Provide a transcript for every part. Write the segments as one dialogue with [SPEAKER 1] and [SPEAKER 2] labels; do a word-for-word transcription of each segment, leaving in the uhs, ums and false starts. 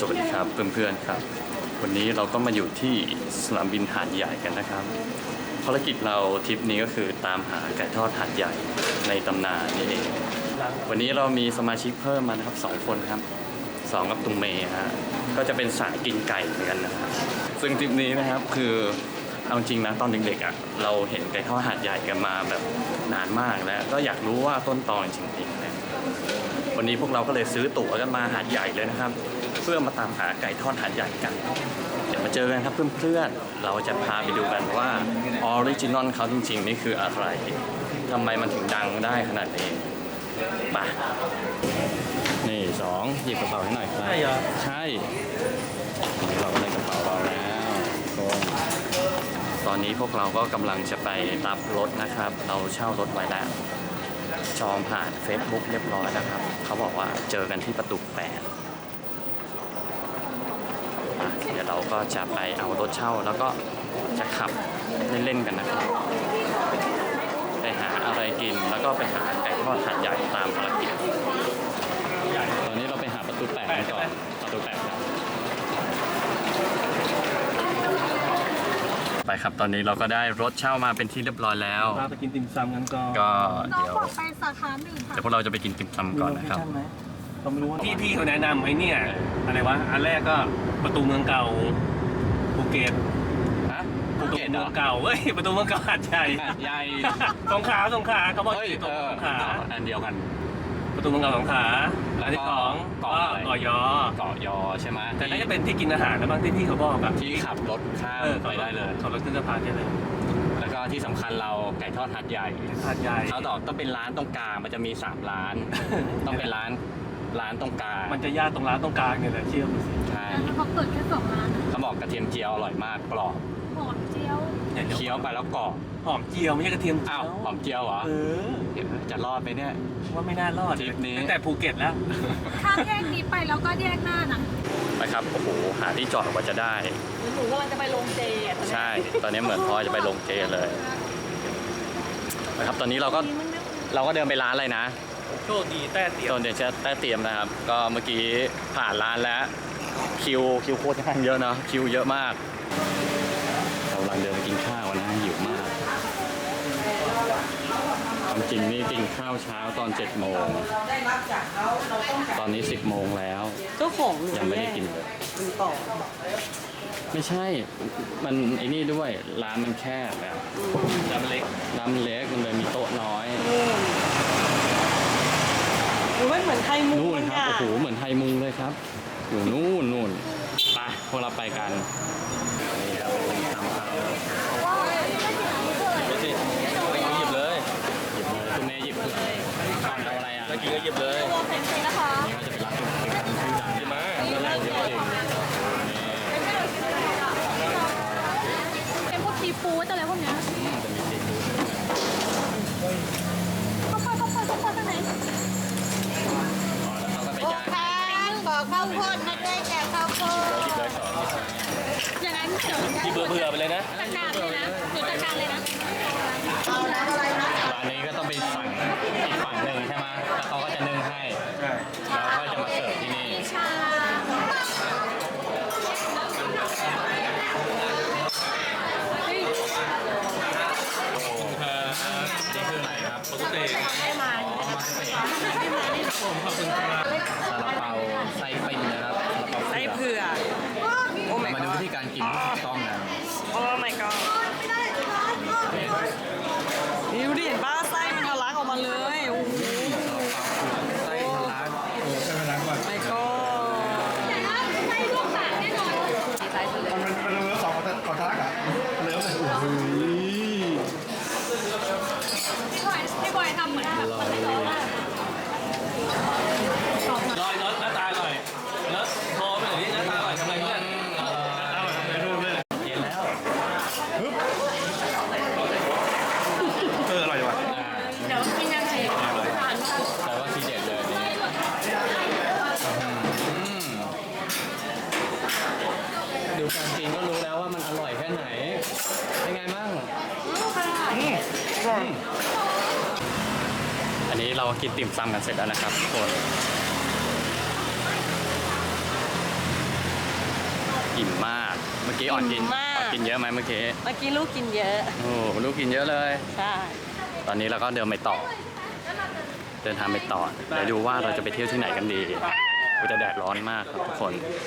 [SPEAKER 1] สวัสดีครับเพื่อนๆครับวันนี้เราก็มาอยู่ที่สนามบินหาดใหญ่กันนะครับภารกิจเราทริปนี้ก็คือตามหาไก่ทอดหาดใหญ่ในตำนานนี่เองวันนี้เรามีสมาชิกเพิ่มมานะครับสองคนครับสองกับตุงเมย์ฮะก็จะเป็นสายกินไก่เหมือนกันนะครับซึ่งทริปนี้นะครับคือเอาจริงนะตอนเด็กๆอ่ะเราเห็นไก่ทอดหาดใหญ่กันมาแบบนานมากแล้วก็อยากรู้ว่าต้นตอจริงๆนะวันนี้พวกเราก็เลยซื้อตั๋วกันมาหาดใหญ่เลยนะครับเพื่อมาตามหาไก่ทอดหาดใหญ่กันเดี๋ยวมาเจอกันครับเพื่อนๆเราจะพาไปดูกันว่าออริจินอลเขาจริงๆนี่คืออะไรทำไมมันถึงดังได้ขนาดนี้ไปนี่สองหยิบกระเป๋าให้หน่อยครับใช่เหรอใช่เราก็ได้กระเป๋าเราแล้วตอนนี้พวกเราก็กำลังจะไปรับรถนะครับเราเช่ารถไว้แล้วจองผ่าน Facebook เรียบร้อยแล้วครับเขาบอกว่าเจอกันที่ประตูแปดเดี๋ยวเราก็จะไปเอารถเช่าแล้วก็จะขับเล่นๆกันนะครับไปหาอะไรกินแล้วก็ไปหาไก่ทอดหาดใหญ่ตามภารกิจตอนนี้เราไปหาประตูแปดกันก่อนประตูแปดครับไปครับตอนนี้เราก็ได้รถเช่ามาเป็นที่เรียบร้อยแล้ว
[SPEAKER 2] เราไปกินติ่มซำกันก่อน
[SPEAKER 1] ก็
[SPEAKER 3] น้อง
[SPEAKER 1] เดี๋ยว
[SPEAKER 3] บอกไปสาขาหนึ่งค่ะ
[SPEAKER 1] เดี๋ยวพวกเราจะไปกินติ่มซำก่อนนะครับ
[SPEAKER 2] เราไม่รู้ว่าพี่พี่เขาแนะนำไอ้เนี่ยอะไรวะอันแรกก็ประตูเมืองเก่าภูเก็ต
[SPEAKER 1] ฮะ
[SPEAKER 2] ประตูเมืองเก่าเฮ้ยประตูเมืองเก่าหาดใหญ่
[SPEAKER 1] หาดใหญ่
[SPEAKER 2] สงขลาสงขลาเขาบอก
[SPEAKER 1] ที่
[SPEAKER 2] สงขลา
[SPEAKER 1] อันเดียวกัน
[SPEAKER 2] ประตูเมืองเก่าสงขลาอันที่สองเกาะเกาะยอ
[SPEAKER 1] เกาะยอใช่ไหม
[SPEAKER 2] แต่น่าจะเป็นที่กินอาหารแล้วบางที่พี่เขาบอกอะ
[SPEAKER 1] ที่ขับรถข้ามไปได้เลย
[SPEAKER 2] ขับรถขึ้นสะพานได้เลย
[SPEAKER 1] แล้วก็ที่สำคัญเราไก่ทอดหาดใหญ่
[SPEAKER 2] หาดใหญ่
[SPEAKER 1] เขาบอกต้องเป็นร้านตรงกลางมันจะมีสามร้านต้องเป็นร้านร้านตรงกลาง
[SPEAKER 2] มันจะยากตรงร้านตรงกลางเนี่ยแหละเชื่อมสิ
[SPEAKER 1] ใช่
[SPEAKER 3] แล้วเขาเปิดแค่สองร้าน
[SPEAKER 1] เขาบอกกระเทียมเจียวอร่อยมากกรอบ
[SPEAKER 3] หอมเจียว
[SPEAKER 1] เคี้ยวไปแล้วกรอบ
[SPEAKER 2] หอมเจียวไม่ใช่กระเทียม
[SPEAKER 1] อ้าวหอมเจียวเหรอ
[SPEAKER 2] เออ
[SPEAKER 1] จะรอดไปเนี่ย
[SPEAKER 2] ว่าไม่น่ารอด
[SPEAKER 1] ทริปนี้
[SPEAKER 2] ตั้งแต่ภูเก็ตแล้ว
[SPEAKER 3] ข้ามแยกนี้ไปแล้วก็แยกหน้านะ
[SPEAKER 1] ไปครับโอ้โหหาที่จอดกว่าจะได้
[SPEAKER 3] หนูกำลังจะไปลงเจ
[SPEAKER 1] ใช่ตอนนี้เหมือนพ่อจะไปลงเจเลยนะครับตอนนี้เราก็เราก็เดินไปร้านอะไรนะ
[SPEAKER 2] โชคดีแต้เตียม
[SPEAKER 1] ตอนเดี๋ยวจะแต้เตียมนะครับก็เมื่อกี้ผ่านร้านแล้วคิวคิวโคตรข้างเยอะเนาะคิวเยอะมากเรากำลังเดินไปกินข้าวนะหิวมากความจริงนี่กินข้าวเช้าตอนเจ็ดโมงตอนนี้สิบโมงแล้ว
[SPEAKER 3] เจ้าของ
[SPEAKER 1] ยังไม่ได้กินเลย
[SPEAKER 3] ต่อ
[SPEAKER 1] ไม่ใช่มันไอ้นี่ด้วยร้านมันแคบแบบ
[SPEAKER 2] ร้านเล็ก
[SPEAKER 1] ร้านเล็กมันเลยมีโต๊ะน้อย
[SPEAKER 3] มันเหมือนไทยมุง
[SPEAKER 1] นู่นครับโอ้โหเหมือนไทยมุงเลยครับอยู่นู่นนู่นไปพวกเราไปกันนี่ครับเป็นตามเขา
[SPEAKER 2] หยิบเลยหยิบเลย
[SPEAKER 1] หยิบเลยคุณเมย์หยิบเลยก่อนเอาอะไรอ่ะ
[SPEAKER 2] แล้วกินก็หยิบเลย
[SPEAKER 3] นะคะ
[SPEAKER 1] นี่ก็จะเป็นร้านจุดเป็นร้านชื่อดัง
[SPEAKER 2] ใช่ไหม
[SPEAKER 1] แล้วเราเยอะจริง
[SPEAKER 3] เป็นพวกซีฟู้ดอะไรพวกนี้
[SPEAKER 1] จะมีซีฟู้ด
[SPEAKER 3] เข้าไปเข้าไปเข้าไปข้างไหนบอกข้าวโพดนะด้วยแกข้าวโพดอย่างนั้นเดี๋ยว
[SPEAKER 2] ที่เบื่อเบื่อไปเลยนะ
[SPEAKER 3] จัดการเลยนะหนูจัดการเลยนะ
[SPEAKER 1] ร้านนี้ก็ต้องไปสั่งอีกฝั่งหนึ่งใช่ไหมแล้วเขาก็จะนึ่งให้แล้วก็จะมาเสิร์ฟที่นี่
[SPEAKER 3] ใช่
[SPEAKER 1] นี่คืออะไรครับปกติ
[SPEAKER 3] ไม่มาไม่มานี่
[SPEAKER 2] ผมขอบคุณครับ
[SPEAKER 1] ซาลาเปาไส้ปิ้งนะครับ
[SPEAKER 3] ไส้เผือก
[SPEAKER 1] มาดูวิธีการกินที่ถูกต้องนะ
[SPEAKER 3] โอ้ my god นี่ดูดิเห็นป้าไส้มันทะลักออกมาเลยโอ้โห
[SPEAKER 1] ไส้ทะลัก
[SPEAKER 2] โอ้ใช่ไหมนะก่อน
[SPEAKER 3] my god ไส้ลวกปากแน่นอนไส้ทะเล
[SPEAKER 2] มันเป็นเนื้อสองของของทะลักอ่ะเนื้อเลยโอ้โห
[SPEAKER 3] พี่บอยพี่บอยทำเหมือนแบบคนที่ร้อน
[SPEAKER 2] ลอยรถหน้าตาอร่อยแล้วโทรไปเลยหน้าตาอร่อยทำไรเพื่อนหน้าตาอร่อยทำไรเพื่อนเย็นแล้วฮึบเอออร่อยว่ะ
[SPEAKER 3] เดี๋ยวกินยังไง
[SPEAKER 1] แต่ว่าทีเด็ดเลยดูการกินก็รู้แล้วว่ามันอร่อยแค่ไหนเป็นไงบ้างอันนี้เรากินติ่มซำกันเสร็จแล้วนะครับทุกคนอิ่มมาก เมื่อกี้อ่อนกิน
[SPEAKER 3] อิ่มมาก
[SPEAKER 1] อ่อนกินเยอะไหมเมื่อกี้
[SPEAKER 3] เมื่อกี้ลูกกินเยอะ
[SPEAKER 1] โอ้ลูกกินเยอะเลย
[SPEAKER 3] ใช่
[SPEAKER 1] ตอนนี้เราก็เดินไปต่อ เดินทางไปต่อ เดี๋ยวดูว่าเราจะไปเที่ยวที่ไหนกันดีกูจะแดดร้อนมากครับทุกคน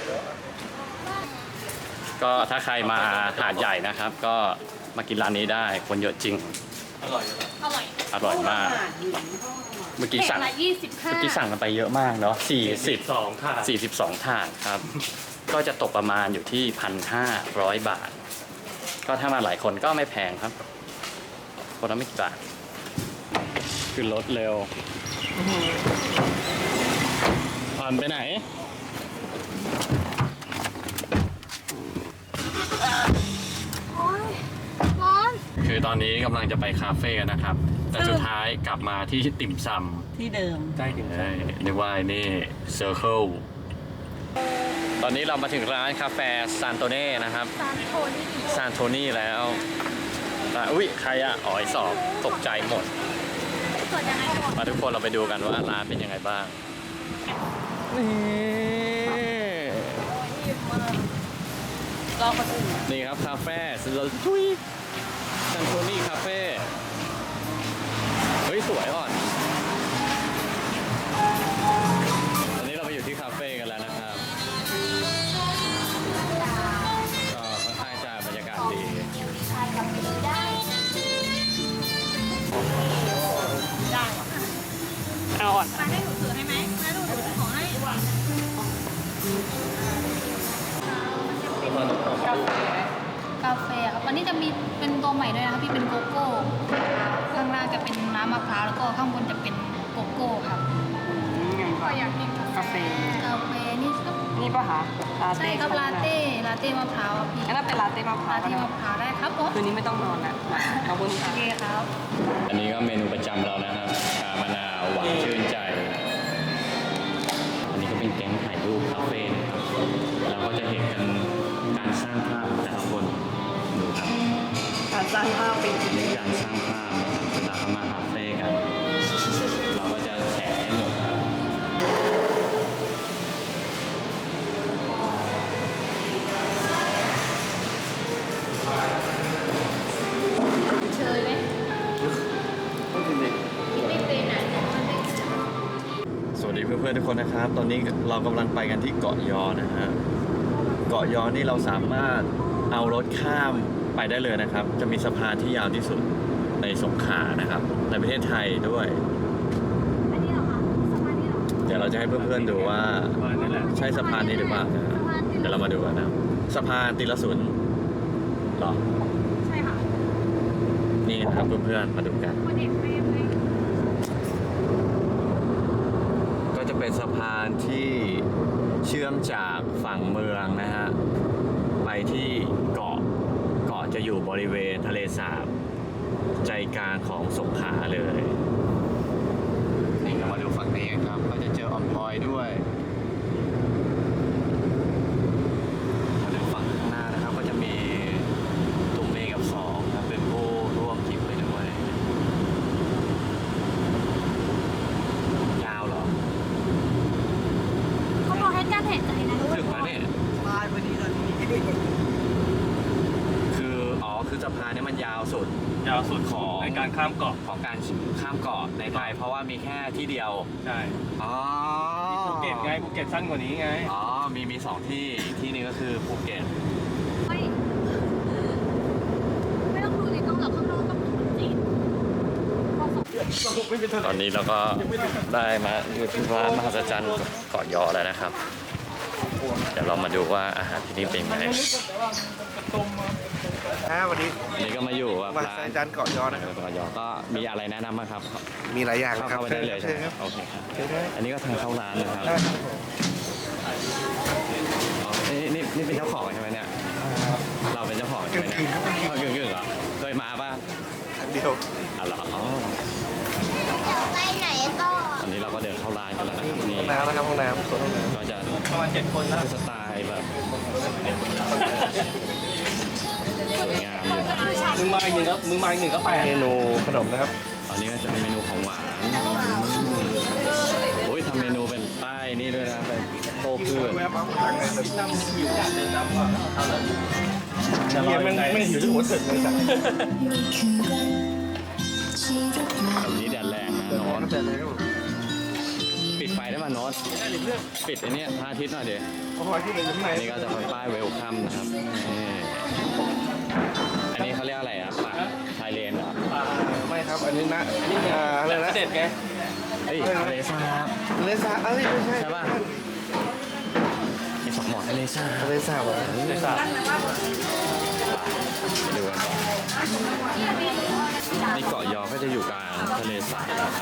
[SPEAKER 1] ก็ถ้าใครมาหาดใหญ่นะครับ ก็มากินร้านนี้ได้ คนเยอะจริง
[SPEAKER 2] อร่อยอร่อย
[SPEAKER 3] อร่อย
[SPEAKER 1] อร่อยมาก เมื่อกี้สั่ง
[SPEAKER 3] ละยี่สิบห้า
[SPEAKER 1] เมื่อกี้สั่งกันไปเยอะมากเนาะสี่สิบ
[SPEAKER 2] สองค่ะ
[SPEAKER 1] สี่สิบสองถาดครับ ก็จะตกประมาณอยู่ที่พันห้าร้อยบาท ก็ถ้ามาหลายคนก็ไม่แพงครับ คนละไม่กี่บาทขึ้นรถเร็วผ่อนไปไหน
[SPEAKER 3] ร้อน
[SPEAKER 1] คือตอนนี้กำลังจะไปคาเฟ่กันนะครับ แต่สุดท้ายกลับมาที่ติ่มซ
[SPEAKER 3] ที่เดิม
[SPEAKER 2] ใกล้ถึง
[SPEAKER 1] ำเอ้ยนึกว่าไอ้นี่เซอร์เคิลตอนนี้เรามาถึงร้านกาแฟซานโตเน่นะครับ
[SPEAKER 3] ซานโทนี่
[SPEAKER 1] ซานโทนี่แล้วอ่ะอุ้ยใครอะอ๋อไอสอบตกใจหมด
[SPEAKER 3] เกิดยังไงก่อน
[SPEAKER 1] มาทุกคนเราไปดูกันว่าร้านเป็นยังไงบ้าง นี่
[SPEAKER 3] รอคนอื่น
[SPEAKER 1] นี่ครับคาเฟ่สโลทุยซันโทนี่คาเฟ่เฮ้ยสวยอ่อนตอนนี้เราไปอยู่ที่คาเฟ่กันแล้วนะครับ ก็ค่อนข้างจะบรรยากาศดี
[SPEAKER 3] เอาอ่อน
[SPEAKER 4] มาให้หนูถือให้ไหมมาดูหนูถือของให้
[SPEAKER 5] กาแฟครับวันนี้จะมีเป็นตัวใหม่ด้วยนะครับพี่เป็นโกโก้ข้างล่างจะเป็นน้ำมะพร้าวแล้วก็ข้างบนจะเป็นโกโก้ครับ
[SPEAKER 4] ก็อยากกินกาแฟ
[SPEAKER 5] กาแฟนี่ก็
[SPEAKER 6] นี่ปะคะลา
[SPEAKER 5] ใช่
[SPEAKER 6] เต้
[SPEAKER 5] ครับลาเต้ลาเต้มะพร้าวครับพี่
[SPEAKER 6] งั้นเราเป็นลาเต้มะพร้า
[SPEAKER 5] ลาว เต้
[SPEAKER 6] ก็ได้
[SPEAKER 5] มะพร้าวได้ครับผม
[SPEAKER 6] คืนนี้ไม่ต้องนอนละขอบคุณ
[SPEAKER 5] โอ
[SPEAKER 6] ค่ะ
[SPEAKER 5] เคครับ
[SPEAKER 1] อันนี้ก็เมนูประจำเรานะครับชามะนาวหวานชื่นใจ อันนี้ก็เป็นแก๊งถ่ายรูปคาเฟ่นะครับเราก็จะเห็นกันการสร้างภาพของแต่ละคนดูครับ
[SPEAKER 6] การสร้างภาพเป็น
[SPEAKER 1] อันนี้การสร้างภาพนะครับเวลาเขามาคาเฟ่กัน เราก็จะแชร์ให้หมดครับ
[SPEAKER 5] เชยไหมไม่เป็นอ่ะ
[SPEAKER 1] สวัสดีเพื่อนๆทุกคนนะครับ ตอนนี้เรากำลังไปกันที่เกาะยอนะฮะเกาะยอนี่เราสามารถเอารถข้ามไปได้เลยนะครับ จะมีสะพานที่ยาวที่สุดในสงขลานะครับ ในประเทศไทยด้วย
[SPEAKER 4] อันนี้เหรอคะสมานี่เหรอ
[SPEAKER 1] เดี๋ยวเราจะให้เพื่อนๆดูว่าใช่สะพานนี้หรือเปล่านะฮะเดี๋ยวเรามาดูกันนะสะพานติลสุนเหรอ
[SPEAKER 4] ใช่ค่ะ
[SPEAKER 1] นี่นะครับเพื่อนๆมาดูกัน
[SPEAKER 4] วันเด็กไม่ไม่
[SPEAKER 1] ก็จะเป็นสะพานที่เชื่อมจากฝั่งเมืองนะฮะไปที่เกาะเกาะจะอยู่บริเวณทะเลสาบใจกลางของสงขลาเลยนี่เรามาดูฝั่งนี้กันครับก็จะเจอออมพอยด้วยมาดูฝั่งข้างหน้านะครับก็จะมีตุ่มเมฆกับสองครับเป็นผู้ร่วมทริปไปด้วย ยาวเหรอ
[SPEAKER 4] เขาบอกให้การเห็นใจนะ
[SPEAKER 1] ถึงแล้วเนี่ย
[SPEAKER 6] บายพอดีตอนนี้
[SPEAKER 1] คือ อ๋อ คือสะพานเนี้มันยาวสุด
[SPEAKER 2] ยาวสุด
[SPEAKER 1] ของ
[SPEAKER 2] ในการข้ามเกาะ
[SPEAKER 1] ของการข้ามเกาะในไทย เพราะว่ามีแค่ที่เดียว
[SPEAKER 2] ใช่
[SPEAKER 1] อ๋อ
[SPEAKER 2] ภูเก็ตไงภูเก็ตสั้นกว่านี้ไง
[SPEAKER 1] อ๋อ มีมีสองที่อีกที่หนึงก็คือภูเก็ต
[SPEAKER 4] ไม่ไม่ต้องดูในกล้องหรอกข้างนอกก็เป็นคนจีนพอส่ง
[SPEAKER 1] ตอนนี้เราก็ได้มาอยู่ที่ร้านมหัศจรรย์เกาะยอแล้วนะครับ เดี๋ยวเรามาดูว่าอาหารที่นี่เป็นไง
[SPEAKER 7] ครับวันนี้
[SPEAKER 1] อันนี้ก็มาอยู่กับ
[SPEAKER 7] มา
[SPEAKER 1] ร้า
[SPEAKER 7] สาย
[SPEAKER 1] น
[SPEAKER 7] จานเกาะยอนะครับ
[SPEAKER 1] เกาะยอ ก็มีอะไรแนะนำบ้างครับ
[SPEAKER 7] มีหลายอย่าง
[SPEAKER 1] เข้า
[SPEAKER 7] ครับ
[SPEAKER 1] เข้าไปได้เลยใช่ไหม
[SPEAKER 7] ครับ
[SPEAKER 1] โอเคครับ
[SPEAKER 7] เชิญครับ
[SPEAKER 1] อันนี้ก็ทางเข้าร้านนะครับ
[SPEAKER 7] ได้ครับผม
[SPEAKER 1] อ๋อนี่นี่นี่เป็นเจ้าของใช่ไหมเนี่ย เราเป็นเจ้าของใช่ไหมเนี่ยเอากึ่งกึ่งๆเหรอ เคยมาป่ะ
[SPEAKER 7] อันเดียว
[SPEAKER 1] อ๋อเหรออ๋อ
[SPEAKER 3] ไปไหนต่อ
[SPEAKER 1] ตอนนี้เราก็เดินเข้าร้านกันแล้วนะครับนี่
[SPEAKER 7] ห้องน้ำนะครับห้องน้ำส่วนห้องน้
[SPEAKER 1] ก็จะ
[SPEAKER 2] ประมาณเจ็ดคนนะ
[SPEAKER 1] สไตล์แบบสวยงามอยู่นะ
[SPEAKER 2] มึงมาอีกหนึ่งก็มึงมาอีกหนึ่งก็แปด
[SPEAKER 7] ำเมนูขนมนะครับ
[SPEAKER 1] ตอนนี้ก็จะเป็นเมนูของหวานโอ้ยทำเมนูเป็นป้ายนี่ด้วยนะเป็นโตเกลืพืช
[SPEAKER 7] แวะปั๊บทางไหนแบบ
[SPEAKER 2] หิวอยากเดินตามก่อนเอาเลยจะร
[SPEAKER 7] เฮี
[SPEAKER 2] อย
[SPEAKER 7] มัน
[SPEAKER 2] ยังไง
[SPEAKER 7] ไม่หิวที่หัวเถิดเลยจ้ะ
[SPEAKER 1] แบบนี้แดดแรงนะโน้ต
[SPEAKER 7] แต่แล้ว
[SPEAKER 1] ปิดไฟได้ป่ะโน้ตปิดไอ้เนี่ยพระอาทิตย์หน่อยเดี๋ยว
[SPEAKER 7] เพราะว่าที่เป็นข้างใน
[SPEAKER 1] นี่ก็จะเป็นป้ายเวลคัมนะครับนี่อันนี้เขาเรียกอะไรอ่ะป่าชายเลนเหรอ
[SPEAKER 7] ไม่ครับ อันนี้นะอันนี้อ่าอะไรนะ
[SPEAKER 2] เด็ดไง
[SPEAKER 1] เฮ้ยทะเลสาบ
[SPEAKER 7] ทะเลสาบเอ้ยไม่ใช่
[SPEAKER 1] ใช่ป่ะไอ้สองหมอทะเลสาบ
[SPEAKER 7] ทะเลสาบเหรอ
[SPEAKER 2] เด็ดสับ
[SPEAKER 1] ไปดูกันก่อนนี่เกาะยอก็จะอยู่กลางทะเลสาบนะครับ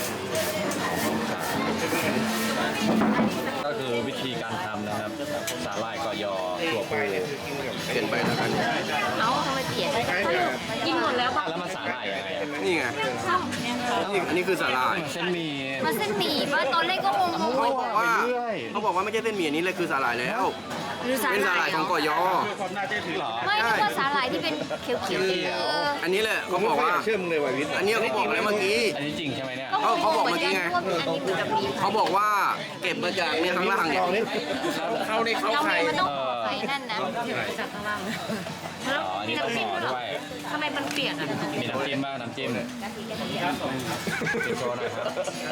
[SPEAKER 1] ก็คือวิธีการทำนะครับสาหร่ายเกาะยอถั่วปู
[SPEAKER 7] เปลี่ยนไปแล้วกัน
[SPEAKER 5] เอ้าทำไมเปลี่ยน
[SPEAKER 7] ใช่ครับ
[SPEAKER 5] กินหมดแล้วป่ะ
[SPEAKER 1] แล้วมันสาหร่ายยังไงอะ
[SPEAKER 7] นี่ไงนี่อันนี้คือสาหร่าย
[SPEAKER 1] เส้นหมี่
[SPEAKER 5] มันเส้นหมี่ป่ะตอนแรกก็งง
[SPEAKER 7] เขาบอกว่าเขาบอกว่าไม่ใช่เส้นหมี่อันนี้เลยคือสาหร่ายแล้ว
[SPEAKER 5] ๆหรือสา
[SPEAKER 7] เป็น
[SPEAKER 5] ห
[SPEAKER 7] สา
[SPEAKER 5] ร่า
[SPEAKER 7] หร่าย ยของกอยอ
[SPEAKER 2] ความน่าเชื่อถือ
[SPEAKER 1] เหรอ
[SPEAKER 5] ไม่นึกว่าสาหร่ายที่เป็นเขียวๆเออ
[SPEAKER 7] อันนี้แหละเขาบอกว่า
[SPEAKER 8] เชื่อมึงเลยว่ะวิทย์
[SPEAKER 7] อันนี้เขาบอกแล้วเมื่อกี้
[SPEAKER 1] อันนี้จริงใช่ไหมเนี่ย
[SPEAKER 5] ก็งงเหมือนกันว่าเป็นอันนี้เหมือนกับหมี่
[SPEAKER 7] เขาบอกว่าเก็บมาจากเนี่ยข้างล่างเนี่ยเข้าในเข้า
[SPEAKER 5] เรา
[SPEAKER 7] ไข่
[SPEAKER 5] ไม่มันต้องใส่นั่นนะ
[SPEAKER 1] อ๋ออันนี้ต้องห่อด้วย
[SPEAKER 5] ทำไมมันเปียกอ่ะ
[SPEAKER 1] มีน้ำจิ้มบ้างน้ำจิ้มจิ้มโชว์หน่อยครับ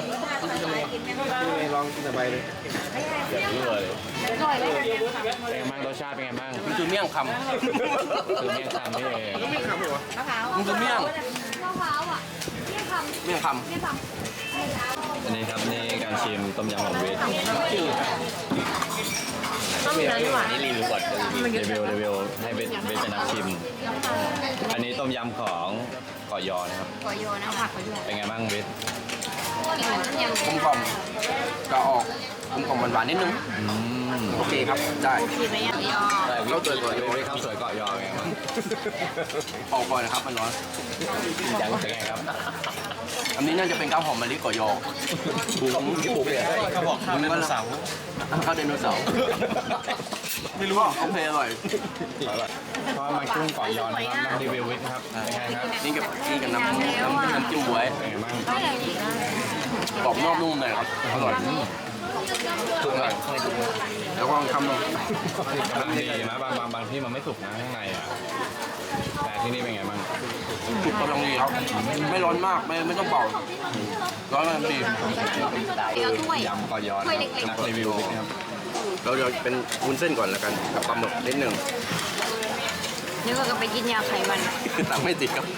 [SPEAKER 7] ลองกินสบายเลย
[SPEAKER 1] เดี๋ยวรู้เลย
[SPEAKER 5] อร่อยไหม
[SPEAKER 1] เป็นไงบ้างรสชาติเป็นไงบ้าง
[SPEAKER 7] มันคือเมี่ยงค
[SPEAKER 1] คือเมี่ยงคำนี่เอง
[SPEAKER 5] มะพร้าว
[SPEAKER 7] ำมันคือเมี่ยง
[SPEAKER 5] มะพร้าวอ่ะที่ทำ
[SPEAKER 7] เมี่ยงค
[SPEAKER 5] ที่ท
[SPEAKER 1] อันนี้ครับนี่การชิมต้มยำของเวท
[SPEAKER 5] ำต้องมีน้ำหวาน
[SPEAKER 1] นี่รีวิวก่อนรีวิวรีวิวให้เวทเวทเป็นนักชิม อันนี้ต้มยำของเกาะยอนะครับ
[SPEAKER 5] กอโยนะผักกอโย
[SPEAKER 1] เป็นไงบ้างเวท
[SPEAKER 5] กินเหมือนต้มยำ
[SPEAKER 7] ำกลมกล่อมก็ออกกลมกล่อมหวานๆนิดนึง
[SPEAKER 1] อืม
[SPEAKER 7] โอเคครับได้
[SPEAKER 5] กินไหมอ่ะยอ
[SPEAKER 7] เข้าเตยก่อน
[SPEAKER 1] เวทข้าวสวยเกาะยอเป็นไงบ้าง
[SPEAKER 7] ออกก่อนนะครับมันร้อน
[SPEAKER 1] ยังเป็นไงครับ
[SPEAKER 7] อันนี้น่าจะเป็นข้าวหอมมะลิกอยอบุ้งที่ปลูกเนี่ย
[SPEAKER 2] เขาบอกข้าวไดโนเสาร์
[SPEAKER 7] ข้าวไดโนเสาร์ไม่รู้ว่าโอเคอร่อย
[SPEAKER 1] เพราะมันกุ้งเกาะยอนะครับลองรีวิววิทครับเป็นไงครับ
[SPEAKER 7] นี่กับนี่กับน้ำน้ำน้ำจิ้มบวย
[SPEAKER 1] เป็นไงบ้าง
[SPEAKER 5] ไม่อย่างนี้
[SPEAKER 7] กรอบนอกนุ่มในครับอร่อยสุดเลยแล้วก็ลองทำลง
[SPEAKER 1] กำลังดีนะบางบางบางที่มันไม่สุกนะข้างในอ่ะแต่ที่นี่เป็นไงบ้าง
[SPEAKER 7] สุกกำลังดีครับไม่ร้อนมากไม่ไม่ต้องเป่าร้อนกำลังดี
[SPEAKER 5] เอาถ้วย
[SPEAKER 1] ยำเกาะยอนะครับนักรีวิววิทนะครับ
[SPEAKER 7] เราจะเป็นวุ้นเส้นก่อนแล้วกันกับปลาหมึกนิดหนึ่ง
[SPEAKER 5] นึกว่าจะไปกินยาไขมัน
[SPEAKER 7] ตังไม่ติดครับ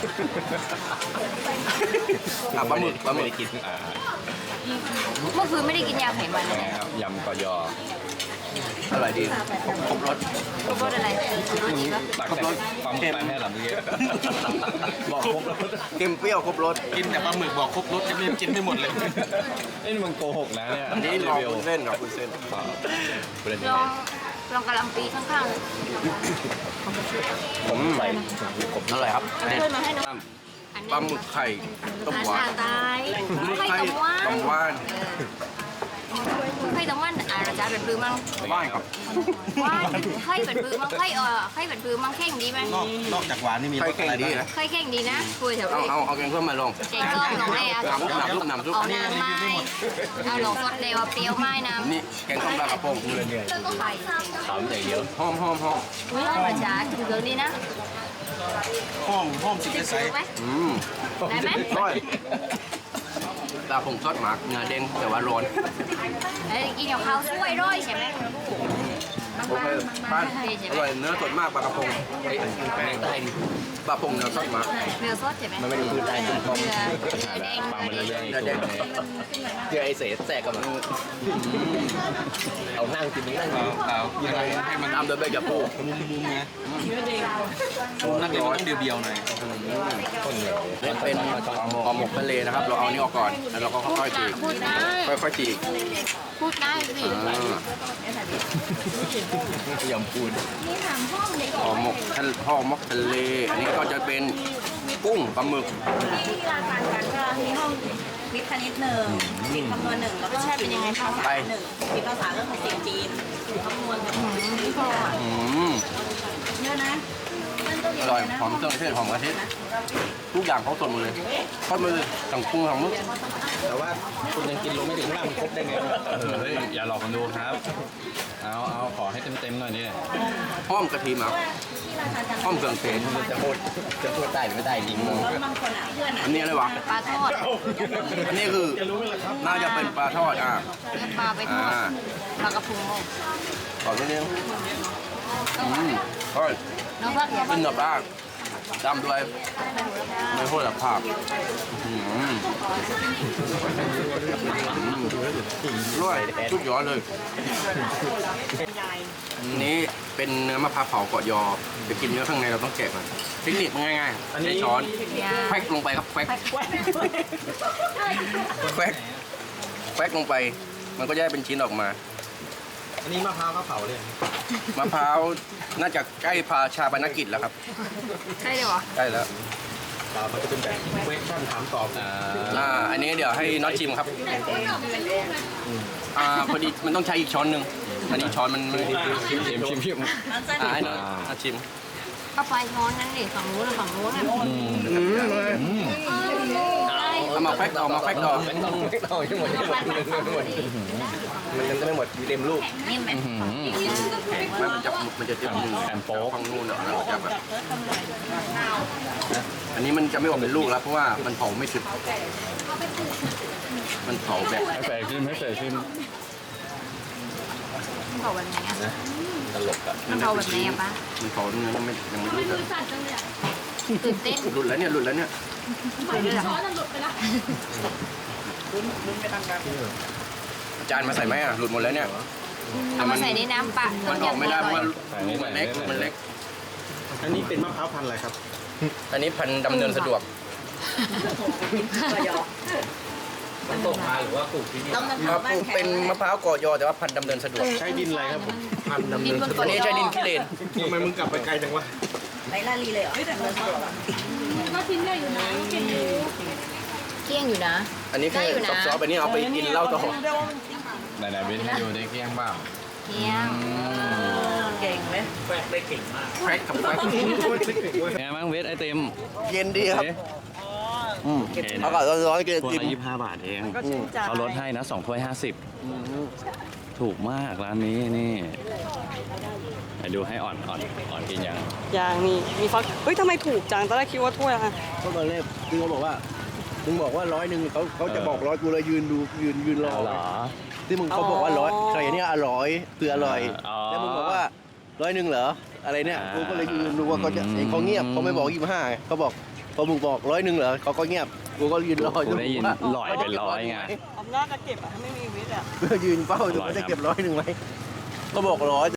[SPEAKER 7] อ่ะปลาหมึกปลาหมึก
[SPEAKER 1] กินอ่า
[SPEAKER 5] เมื่อคืนไม่ได้กินยาไขมัน
[SPEAKER 1] เป็น
[SPEAKER 5] นะ
[SPEAKER 1] ไงครับยำเกาะยอ
[SPEAKER 7] อร่อยดีครบรส
[SPEAKER 5] รสอะไรรสดีปะ
[SPEAKER 1] ตักแต่ความไปแม่หลับเมื่อกี้บอกครบแล้ว
[SPEAKER 7] เค็มเปรี้ยวครบรส
[SPEAKER 2] กินแต่ปลาหมึกบอกครบรสจะไม่กินไม่หมดเลย
[SPEAKER 1] นี่มันโกหกนะเนี่ย
[SPEAKER 7] อันนี้ลองวุ้นเส้นกับวุ้นเส้น
[SPEAKER 1] ประเด็น
[SPEAKER 5] ลองลองกะหล่ำปีข้าง
[SPEAKER 7] ผมใส่อร่อยครับ
[SPEAKER 5] ๆ
[SPEAKER 7] เด็ด
[SPEAKER 5] เพื่อนมาให้น้อง
[SPEAKER 7] ปลาหมึกไข่ต้มหวาน
[SPEAKER 5] ตาย
[SPEAKER 7] ไข่
[SPEAKER 5] ไข่ตะวัน
[SPEAKER 7] ต้มหวาน
[SPEAKER 5] ไข่ตะวันอ่ะเราจะเป็นปื้อมั้ง
[SPEAKER 7] บ้านครับ
[SPEAKER 5] ว่านไข่เป็นปื้อมั้งไข่เออไข่เป็นปื้อมั้งแข่งดีไหม
[SPEAKER 2] นอกนอกจากหวานนี่มีร
[SPEAKER 7] ไข่
[SPEAKER 2] ส
[SPEAKER 7] เก่ง
[SPEAKER 2] อะไร
[SPEAKER 7] ดี
[SPEAKER 2] บ้าง
[SPEAKER 7] นะ
[SPEAKER 5] ไข่แข่งดีนะคุยแถว
[SPEAKER 7] เอา
[SPEAKER 5] นี้
[SPEAKER 7] เอาเอาแกงส้มมาลง
[SPEAKER 5] แกงส้มหนองแม่เอา
[SPEAKER 7] น้ำซุปน้ำซุปน้ำซุป
[SPEAKER 5] เอาน้ำไม้เอาหลงสดเดียวเปรี้ยวไม้น้ำ
[SPEAKER 7] นี่แกงส้มปลากระพง
[SPEAKER 5] ไข่
[SPEAKER 1] ขำอย่างเดียว
[SPEAKER 7] หอมหอมหอม
[SPEAKER 5] อุ้ยมาจ้าถึงเรื่องนี้นะ
[SPEAKER 2] ห้องห้องสิบ
[SPEAKER 5] จะ
[SPEAKER 2] ไซ
[SPEAKER 5] ซื้อ
[SPEAKER 2] ส์
[SPEAKER 5] ไหม
[SPEAKER 7] อืม
[SPEAKER 5] ได้ไหม
[SPEAKER 7] ร้อยปลาผงซอสหมักเนื้อเด้งแต่ว่าร้อน
[SPEAKER 5] เอ้ยกินกับข้าวสวยร้อยใช่ไหม
[SPEAKER 7] โอเคบ้านอร่อยเนื้อสดมากปลากระพงปลาผงเนื้อซอสหมัก
[SPEAKER 5] เนื้อสดใช่ไหม
[SPEAKER 7] มันไม่ได้คือได้คือ
[SPEAKER 5] เนื้อเนื้อแดง
[SPEAKER 1] ฟังมาเรื่อยๆ
[SPEAKER 7] เนื้อแดง
[SPEAKER 8] คือไอ้เสแสกกับมันเอานั่งกินนี่นั่งกิน
[SPEAKER 2] เอายังไงให้มัน
[SPEAKER 7] ตามโดยใบกระปู
[SPEAKER 2] มุมมุมไงนั่นเดี๋ยวมันต้องเดียวๆหน่อย
[SPEAKER 7] เป็นเป็นห่อหมกทะเลนะครับ เราเอานี่ออกก่อนแล้วเราก็ค่อยๆฉีก
[SPEAKER 5] พูดได้
[SPEAKER 7] ค่อยๆฉีก
[SPEAKER 5] พูดได้สิ
[SPEAKER 7] อ่าย
[SPEAKER 8] ำปูน
[SPEAKER 7] ห่อหมกทะเลห่อหมกทะเล อันนี้ก็จะเป็นกุ้งปลาหมึก
[SPEAKER 3] ที่ร้านการกันก็มีห้องวิทย์คณิตหนึ่งวิทย์คำนวณหนึ่งแล้วก็ใช่เป็นยังไงภาษาหนึ่งวิทย์ภาษาเรื่องของเสียงจีนคำนวณกับวิทย์
[SPEAKER 7] อืม
[SPEAKER 3] เยอะนะ
[SPEAKER 7] อร่อยหอมเครื่องเทศหอมกระเทียมทุกอย่างเขาสดหมดเลยทอดมาเลยสั่งกุ้งสั่งหมึก
[SPEAKER 3] เ
[SPEAKER 8] แต่ว่าคุณยังกินลงไม่ถึงข้างล่างมันครบได้ไง
[SPEAKER 1] เฮ้ยอย่าหลอกคนดูครับ เอาเอาขอให้เต็มๆหน่อยนี่
[SPEAKER 7] ห้อมกะทิมาห้อมเครื่องเทศ
[SPEAKER 8] จะพูดจะพูดได้หรือไม่ได้ยิง
[SPEAKER 3] แล้วบางคนอ่ะเพื่อนอ่ะ
[SPEAKER 7] อันนี้อะไรวะ
[SPEAKER 5] ปลาทอด
[SPEAKER 7] อันนี้คือน่าจะเป็นปลาทอดอ่ะ
[SPEAKER 5] เนื้อปลาไปทอด
[SPEAKER 7] อ่า
[SPEAKER 5] ปลากระพง
[SPEAKER 7] ขอนิดนึงอืมอร่อย
[SPEAKER 5] น้องพักอยาก
[SPEAKER 7] กินกับลาบตามด้วยไม่พูดกับภาพอืมอร่อยชุดยอดเลยอันนี้เป็นเนื้อมะพร้าวเผาเกาะยอจะกินเนื้อข้างในเราต้องแกะมันเทคนิคมันง่ายๆใช้ช้อนแควกลงไปครับแควกแควกแควกลงไป มันก็จะได้เป็นชิ้นออกมา
[SPEAKER 8] อันนี้มะพร้าวข้าวเผาเลย
[SPEAKER 7] มะพร้าวน่าจะใกล้พาชาปนกิจแล้วครับ
[SPEAKER 5] ใช่เลยวะ
[SPEAKER 7] ใกล้แล้ว
[SPEAKER 8] เปล่ามันจะเป็นแบบเวกชั่นถามตอบอ่า
[SPEAKER 7] อ่าอันนี้เดี๋ยวให้น็อตชิมครับอ่าพอดีมันต้องใช้อีกช้อนหนึ่งอันนี้ช้อนมันไม่
[SPEAKER 1] ชิมชิมชิมชิม
[SPEAKER 3] น้ำเส้น
[SPEAKER 7] อ่าให้น็อตน็อตชิม
[SPEAKER 5] เอาไปช้อนนั่นดิฝั่งนู้นฝั่งนู้นอ่ะ
[SPEAKER 7] เอามาแฟกต่อมาแฟกต่อ
[SPEAKER 8] ไม่ต้องไม่ต้องทั้งหมดทั้งหมดทั้งหมดมันยังไม่หมดอยู่เต็มลูก
[SPEAKER 5] นี่ไหม
[SPEAKER 7] ไม่มันจะมันจะเต็มมือ
[SPEAKER 1] แอนโป๊ก
[SPEAKER 7] ฟังนู่นอ่ะเราจะแบบอันนี้มันจะไม่ออกเป็นลูกแล้วเพราะว่ามันเผาไม่สุดมันเผาแบบ
[SPEAKER 1] ให้ใส่ขึ้นให้ใส่ขึ้น
[SPEAKER 5] มันเผาแบบไหนอ่ะ
[SPEAKER 8] ตลกอ่ะ
[SPEAKER 5] มันเผาแบบไหนอ่ะป้า
[SPEAKER 7] มันเผาเนื้อยังไม่ยังไม่รู้เลย
[SPEAKER 5] ตื่นเต้น
[SPEAKER 7] หลุดแล้วเนี่ยหลุดแล้วเนี่ย
[SPEAKER 4] ช้อนหลุดไปแล้ว
[SPEAKER 7] อาจารย์มาใส่ไหมอ่ะหลุดหมดแล้วเนี่ย
[SPEAKER 5] เอามาใส่ในน้ำปะ
[SPEAKER 7] มันออกไม่ได้เพราะว่า
[SPEAKER 1] ใส่นี่
[SPEAKER 7] มัน
[SPEAKER 1] ใส่
[SPEAKER 7] เล็ก
[SPEAKER 1] นี่
[SPEAKER 7] มันเล็ก
[SPEAKER 8] อันนี้เป็นมะพร้าวพันธุ์อะไรครับ
[SPEAKER 7] อันนี้พันธุ์ดำเนินสะดวก
[SPEAKER 8] มันตกมาหรือว่าปลูกที่นี่
[SPEAKER 3] ต้องน้ำ
[SPEAKER 7] ครับ
[SPEAKER 3] บ้านแข็
[SPEAKER 7] เป็น
[SPEAKER 3] ง
[SPEAKER 7] มะพร้าวก่อยอแต่ว่าพันธุ์ดำเนินสะดวก
[SPEAKER 8] ใช้ดินอะไรครับผมพันธุ์ดำ
[SPEAKER 5] ดิ
[SPEAKER 8] เนิ
[SPEAKER 5] น
[SPEAKER 8] น
[SPEAKER 5] บน
[SPEAKER 8] สะด
[SPEAKER 5] เกาะ
[SPEAKER 8] วก
[SPEAKER 7] อันนี้ใช้ดินขี้เลน
[SPEAKER 8] ทำไมมึงกลับไปไกลจังวะ
[SPEAKER 3] ไรลาลีเลยเหรอแต่เนื้อสด
[SPEAKER 4] ก็ชิ้นใหญ่อยู่นะเก่งอยู่
[SPEAKER 5] เกี้ยงอยู่นะ
[SPEAKER 7] อันนี้
[SPEAKER 5] ได้
[SPEAKER 7] คือ
[SPEAKER 5] อยู่นะ
[SPEAKER 7] ซอฟต์ๆอันนี้เอาไปกินเหล้าต่อ
[SPEAKER 1] ไหนๆเบนให้ดูได้เกลี้ยงบ้าง
[SPEAKER 5] เกี้ยง
[SPEAKER 3] เก่งไหม
[SPEAKER 7] แครกกับแครก
[SPEAKER 1] ไงบ้างเวทไอติม
[SPEAKER 7] เย็นดีครับ
[SPEAKER 1] อืม
[SPEAKER 7] เอาก่อนร้อนๆกิน
[SPEAKER 1] ถ้วย
[SPEAKER 7] กิน
[SPEAKER 1] ละยี่สิบห้าบาทเองเขาลดให้นะสองถ้วยห้าสิบถูกมากร้านนี้นี่ไหนดูให้อ่อนอ่อนอ่อนกินยัง
[SPEAKER 6] อย่างมีมีฟักเฮ้ยทำไมถูกจังตอนแรกคิดว่าถ้วยอะ
[SPEAKER 8] ก็ตอนแรกคือเขาบอกว่ามึงบอกว่าร้อยหนึ่งเขาเขาจะบอกร้อยกูเลยยืนดูยืนยืนรอ
[SPEAKER 1] เอาเหรอ
[SPEAKER 8] ที่มึงเขาบอกว่าร้อยใครเนี่ยอร่อยคืออร่อย
[SPEAKER 1] อ๋อ
[SPEAKER 8] แล้วมึงบอกว่าร้อยหนึ่งเหรออะไรเนี่ย
[SPEAKER 1] อ่า
[SPEAKER 8] กูก็เลยยืนดูว่าเขาจะ
[SPEAKER 1] อืม
[SPEAKER 8] เองเขาเงียบเขาไม่บอกยี่สิบห้าเขาบอกพอมึงบอกร้อยหนึ่งเหรอเขาก็เงียบกูก็ยืนรอ
[SPEAKER 1] กูได้ยิน
[SPEAKER 8] ว่า
[SPEAKER 1] หลอยเป็นร้อยไง
[SPEAKER 6] อำนาจจะเก็บอะไม่มีวิทย์อะ
[SPEAKER 8] ยืนเฝ้าดูว่าจะเก็บร้อยหนึ่งไหมก็บอกร้อย